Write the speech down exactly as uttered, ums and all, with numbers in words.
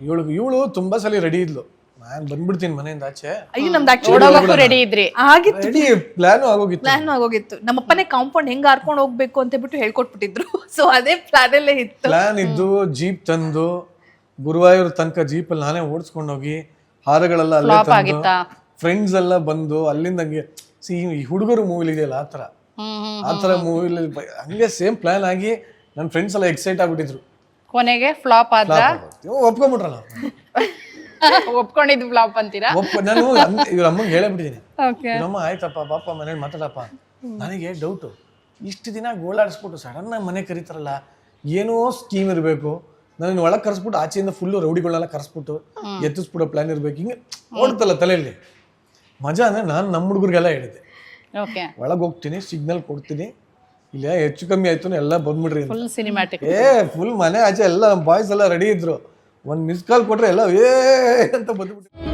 ಇವಳು ಇವಳು ತುಂಬಾ ಸಲ ರೆಡಿ ಇದ್ಲು, ನಾನ್ ಬಂದ್ಬಿಡ್ತೀನಿ ಮನೆಯಿಂದ ಆಚೆ, ಅಯ್ಯೋ ನಮ್ದು ಆಕ್ಚುಲಿ ರೆಡಿ ಇದ್ರಿ ಆಗಿತ್ತು, ರೆಡಿ ಪ್ಲಾನ್ ಆಗೋಗಿತ್ತು. ಪ್ಲಾನ್ ಆಗೋಗಿತ್ತು. ನಮ್ಮಪ್ಪನೇ ಕಾಂಪೌಂಡ್ ಹೆಂಗ್ ಹಾರ್ಕೊಂಡು ಹೋಗ್ಬೇಕು ಅಂತ ಬಿಟ್ಟು ಹೇಳ್ಕೊಟ್ಬಿಟ್ಟಿದ್ರು. ಸೊ ಅದೇ ಪ್ಲಾನ್ ಅಲ್ಲೇ ಇತ್ತು. ಪ್ಲಾನ್ ಇದ್ದು ಜೀಪ್ ತಂದು ಗುರುವಾಯೂರ್ ತನಕ ಜೀಪ್ ಅಲ್ಲಿ ನಾನೇ ಓಡಿಸ್ಕೊಂಡು ಹೋಗಿ ಹಾರಗಳೆಲ್ಲ ಅಲ್ಲೇ ತಂದು ಫ್ರೆಂಡ್ಸ್ ಎಲ್ಲ ಬಂದು ಅಲ್ಲಿಂದ ಹಂಗೆ ಸಿ ಈ ಹುಡುಗರು ಮೂವಿಲಿ ಇದೆಯಲ್ಲ ಆತರ ಆತರ ಮೂವಿಲಿ ಹಂಗೆ ಸೇಮ್ ಪ್ಲಾನ್ ಆಗಿ ನನ್ನ ಫ್ರೆಂಡ್ಸ್ ಎಲ್ಲ ಎಕ್ಸೈಟ್ ಆಗ್ಬಿಟ್ಟಿದ್ರು. ಕೊನೆಗೆ ಫ್ಲಾಪ್ ಆದ್ರ ಒಪ್ಕೊಂಡ್ಬಿಟ್ರಲ್ಲ ಒಪ್ಕೊಂಡಿದ್ದು ಫ್ಲಾಪ್ ಅಂತೀರಾ? ಒಪ್ಪ ನಾನು ಇವ್ರ ಅಮ್ಮಂಗೆ ಹೇಳಬಿಟ್ಟಿದ್ದೀನಿ, ಇವ್ರಮ್ಮ ಆಯ್ತಪ್ಪ ಪಾಪ ಮನೇಲಿ ಮಾತಾಡಪ್ಪ. ನನಗೆ ಡೌಟು, ಇಷ್ಟು ದಿನ ಗೋಳಾಡಿಸ್ಬಿಟ್ಟು ಸಡನ್ ಆಗಿ ಮನೆ ಕರೀತಾರಲ್ಲ, ಏನೋ ಸ್ಕೀಮ್ ಇರಬೇಕು, ನಾನು ಒಳಗೆ ಕರೆಸ್ಬಿಟ್ಟು ಆಚೆಯಿಂದ ಫುಲ್ಲು ರೌಡಿಗಳನ್ನೆಲ್ಲ ಕರೆಸ್ಬಿಟ್ಟು ಎತ್ತಿಸ್ಬಿಡೋ ಪ್ಲಾನ್ ಇರ್ಬೇಕು, ಹಿಂಗೆ ಓಡ್ತಲ್ಲ ತಲೆಯಲ್ಲಿ. ಮಜಾ ಅಂದ್ರೆ ನಾನು ನಮ್ಮ ಹುಡುಗರಿಗೆಲ್ಲ ಹೇಳಿದ್ದೆ, ಒಳಗೆ ಹೋಗ್ತೀನಿ, ಸಿಗ್ನಲ್ ಕೊಡ್ತೀನಿ, ಇಲ್ಲ ಹೆಚ್ಚು ಕಮ್ಮಿ ಆಯ್ತು ಎಲ್ಲ ಬಂದ್ಬಿಡ್ರಿ. Full cinematic. ಏ ಫುಲ್ ಮನೆ ಆಚೆ ಎಲ್ಲ ಬಾಯ್ಸ್ ಎಲ್ಲ ರೆಡಿ ಇದ್ರು, ಒಂದ್ ಮಿಸ್ ಕಾಲ್ ಕೊಟ್ರೆ ಎಲ್ಲ ಏ ಅಂತ ಬಂದ್ಬಿಟ್ಟು